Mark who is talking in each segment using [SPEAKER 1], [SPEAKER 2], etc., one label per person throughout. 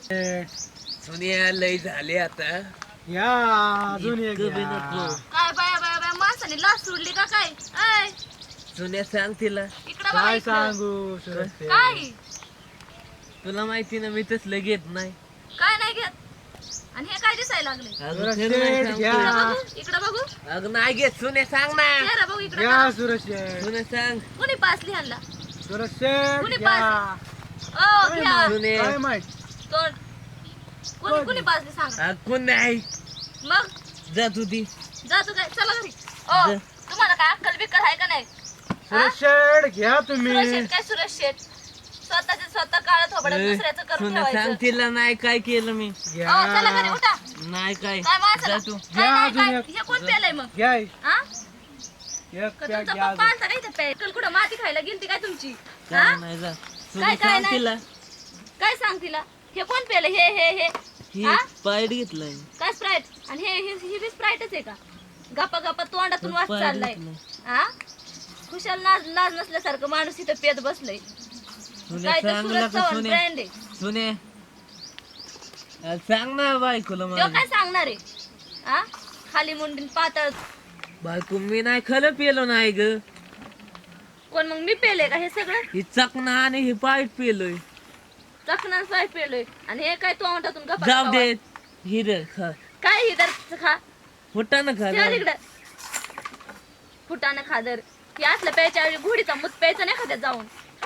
[SPEAKER 1] सोनिया लय झाले आता
[SPEAKER 2] या अजून एक
[SPEAKER 1] इतकं बी
[SPEAKER 2] घ्या.
[SPEAKER 1] नको.
[SPEAKER 3] काय बाया बाया बाया माणसाने लाच सोडली का काय ऐ,
[SPEAKER 1] सोन्या सांग तिला
[SPEAKER 3] इकडं बघा
[SPEAKER 2] काय
[SPEAKER 3] इकडं.
[SPEAKER 2] सांगू सुरज
[SPEAKER 3] काय
[SPEAKER 1] तुला माहिती ना मी तसलं घेत नाही.
[SPEAKER 3] काय नाही घेत आणि हे काय दिसायला लागले
[SPEAKER 1] अगं
[SPEAKER 2] सुरज
[SPEAKER 1] खरं नाही
[SPEAKER 2] शेठ
[SPEAKER 1] सांगतो.
[SPEAKER 2] घ्या.
[SPEAKER 3] इकडं बघू
[SPEAKER 1] अगं नाही घेत सोन्या सांग ना.
[SPEAKER 3] चेहरा बघू इकडं
[SPEAKER 2] घ्या
[SPEAKER 3] बघा.
[SPEAKER 2] सुरज शेठ.
[SPEAKER 1] सोन्या सांग.
[SPEAKER 3] कुणी पास लिहायला
[SPEAKER 2] सुरज शेठ
[SPEAKER 3] कुणी
[SPEAKER 2] घ्या.
[SPEAKER 3] ओ
[SPEAKER 2] काय
[SPEAKER 3] घ्या
[SPEAKER 2] माहित?
[SPEAKER 1] सोने.
[SPEAKER 2] काय माहित
[SPEAKER 3] तोंड कुणी कुणी पासली सांग
[SPEAKER 1] अगं कोण नाही
[SPEAKER 3] मग
[SPEAKER 1] जा तू ती
[SPEAKER 3] जा तू काय चला घरी ओ
[SPEAKER 1] जा.
[SPEAKER 3] तुम्हाला काय अक्कल बिक्कल आहे का नाही
[SPEAKER 2] सुरज शेठ घ्या तुम्ही
[SPEAKER 3] सुरेश शेठ काय सुरेश शेठ स्वतःचे स्वतः काळात थोबडत दुसऱ्याचं करून
[SPEAKER 1] सोन्या सांग
[SPEAKER 3] ठेवायचं
[SPEAKER 1] तिला नाही काय केलं मी
[SPEAKER 2] घ्या.
[SPEAKER 3] ओ चला घरी उठा
[SPEAKER 1] नाही काय
[SPEAKER 3] काय माणसाला
[SPEAKER 1] जा तू
[SPEAKER 3] काय
[SPEAKER 2] घ्या
[SPEAKER 3] नाही,
[SPEAKER 2] अजून
[SPEAKER 3] काय?
[SPEAKER 2] एक.
[SPEAKER 3] हे कोण पेलंय मग
[SPEAKER 2] घ्या
[SPEAKER 3] हा
[SPEAKER 2] एक
[SPEAKER 3] का
[SPEAKER 2] प्याक
[SPEAKER 3] तुमचा
[SPEAKER 2] घ्या
[SPEAKER 3] पप्पा
[SPEAKER 2] अजून.
[SPEAKER 3] आणता काय इथं पेल कुठं माती खायला गेलती काय तुमची
[SPEAKER 1] काय
[SPEAKER 3] हा
[SPEAKER 1] नाही जा सोन्या
[SPEAKER 3] काय
[SPEAKER 1] सांग
[SPEAKER 3] नाही?
[SPEAKER 1] तिला
[SPEAKER 3] काय सांग तिला हे कोण पेलं हे
[SPEAKER 1] ही
[SPEAKER 3] हा?
[SPEAKER 1] पाईट घेतलाय
[SPEAKER 3] काय स्प्राईट आणि ही बी स्प्राईटच आहे का गप्पा गप्पा तोंडातून वास
[SPEAKER 1] पाईट
[SPEAKER 3] चाललाय
[SPEAKER 1] घेतलाय.
[SPEAKER 3] हा खुशाल नाच नाच नसल्यासारखं माणूस इथं पेत बसलय
[SPEAKER 1] सोन्या
[SPEAKER 3] काय तर
[SPEAKER 1] सांग
[SPEAKER 3] सुरत
[SPEAKER 1] का
[SPEAKER 3] चव्हाण
[SPEAKER 1] सोन्या
[SPEAKER 3] ब्रँड आहे
[SPEAKER 1] सोन्या सांग ना बायकोला
[SPEAKER 3] तो
[SPEAKER 1] माझ्या
[SPEAKER 3] काय सांगणार आहे हा खाली मुंडीन पातळ
[SPEAKER 1] बायको मी नाही खरं पेलो नाही ग
[SPEAKER 3] कोण मग मी पेले का हे सगळं
[SPEAKER 1] ही चकना आणि ही पाईट पेलोय
[SPEAKER 3] चकना काय पेलोय आणि हे काय तोंडातून गप्पा
[SPEAKER 1] जाऊ
[SPEAKER 3] गप्पा
[SPEAKER 1] दे हिर खा
[SPEAKER 3] काय हिदर खा
[SPEAKER 1] होता ना खा
[SPEAKER 3] त्या तिकडं फुटानं खादर हे असलं प्यायच्या ऐवजी घोडीचा मूत प्यायचं नाही खात्यात जाऊन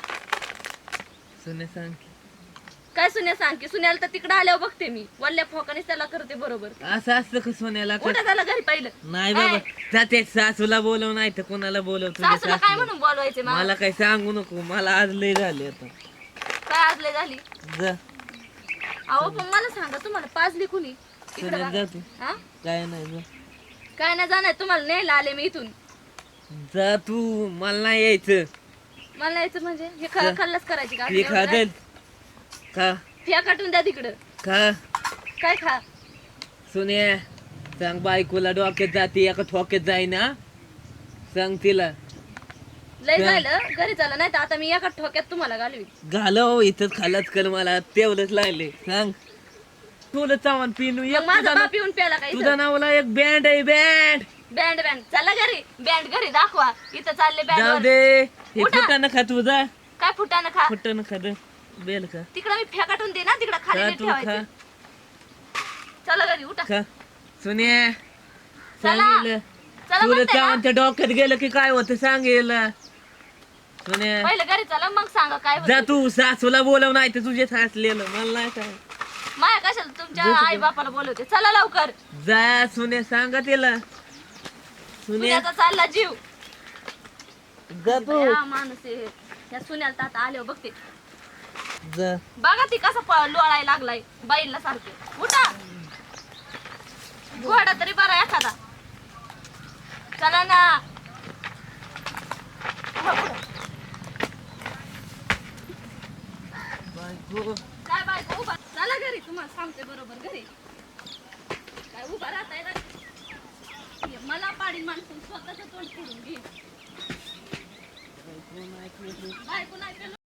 [SPEAKER 1] सोन्या सांग की.
[SPEAKER 3] काय सुन्या सांग की सुन्याला तर तिकडं आल्यावर बघते मी वल्ल्या फोकानेच त्याला करते बरोबर
[SPEAKER 1] असं असतं का सोन्याला का?
[SPEAKER 3] उठा त्याला घरी पहिलं
[SPEAKER 1] नाही बाबा
[SPEAKER 3] काय?
[SPEAKER 1] जाते सासूला बोलव नाही तर कोणाला बोलव तुझ्या
[SPEAKER 3] सासूला काय
[SPEAKER 1] सासूला.
[SPEAKER 3] म्हणून बोलवायचे मला
[SPEAKER 1] मला काही सांगू नको मला आज लय झाले आता
[SPEAKER 3] काय आजले झाली
[SPEAKER 1] जा
[SPEAKER 3] अहो पण मला सांगा तुम्हाला पाजली कुणी इकडं
[SPEAKER 1] सोन्या
[SPEAKER 3] बघा.
[SPEAKER 1] जा तू
[SPEAKER 3] हा?
[SPEAKER 1] काय नाही जा
[SPEAKER 3] काय नाही जाणार तुम्हाला न्यायला आले मी इथून
[SPEAKER 1] जा तू मला नाही यायचं
[SPEAKER 3] मला यायचं म्हणजे हे
[SPEAKER 1] जा.
[SPEAKER 3] खाल्लाच करायची का
[SPEAKER 1] हे खा दे खा
[SPEAKER 3] फिया काटून द्या तिकडं
[SPEAKER 1] खा
[SPEAKER 3] काय खा
[SPEAKER 1] सोन्या सांग बायकोला डोक्यात जाते एका ठोक्यात जाईना सांग तिला
[SPEAKER 3] लय
[SPEAKER 1] जा.
[SPEAKER 3] झालं घरी झालं नाही तर आता मी एका ठोक्यात तुम्हाला घालवी
[SPEAKER 1] घालव इथंच खालाच कर मला तेवढंच लागले सांग तुला चावण पिनू
[SPEAKER 3] मग
[SPEAKER 1] एक
[SPEAKER 3] माझा
[SPEAKER 1] तुझा
[SPEAKER 3] बाप येऊन प्याला का
[SPEAKER 1] तुझ्या नावाला एक बँड आहे बँड
[SPEAKER 3] बँड बँड चला घरी बँड घरी दाखवा इथं चालले
[SPEAKER 1] जाऊ
[SPEAKER 3] बँड
[SPEAKER 1] दे हे
[SPEAKER 3] उठा.
[SPEAKER 1] फुटानं खा तुझा
[SPEAKER 3] काय फुटानं खा
[SPEAKER 1] फुटानं खा दे बेल खा
[SPEAKER 3] तिकडं मी फेकाटून दे ना तिकडं खाली
[SPEAKER 1] खा
[SPEAKER 3] नीट
[SPEAKER 1] तू खा
[SPEAKER 3] ठेवायचं चला घरी उठा
[SPEAKER 1] खा सोन्या
[SPEAKER 3] चला.
[SPEAKER 1] सांगितलं
[SPEAKER 3] चला
[SPEAKER 1] तुला
[SPEAKER 3] म्हणते ना.
[SPEAKER 1] चावण त्या डोक्यात गेलं की काय होतं सांगेल सोन्या
[SPEAKER 3] पहिलं घरी चला मग सांगा काय
[SPEAKER 1] जा
[SPEAKER 3] होतं.
[SPEAKER 1] तू सासूला बोलव नाही तर तुझे सासलेलं मला नाही काय
[SPEAKER 3] माया कशाला तुमच्या
[SPEAKER 1] जा
[SPEAKER 3] आई बापाला बोलवते चला लवकर
[SPEAKER 1] जा सोन्या सांगा तिला सोन्या
[SPEAKER 3] सुन्याचा चालला जीव
[SPEAKER 1] जा तू
[SPEAKER 3] या माणूस आहे या सुन्याला तर आता आल्यावर बघते
[SPEAKER 1] जा
[SPEAKER 3] बघा ती कसा लोळायला लागलाय बाईला सारखे उठा घोडा तरी बरा एखादा चला ना उभा पुढं.
[SPEAKER 1] बायको
[SPEAKER 3] काय बायको उभा चला घरी तुम्हाला सांगते बरोबर घरी काय उभा राहताय ना हे मला पाडी माणसून स्वतःच तोंड फोडून घे बायको नाही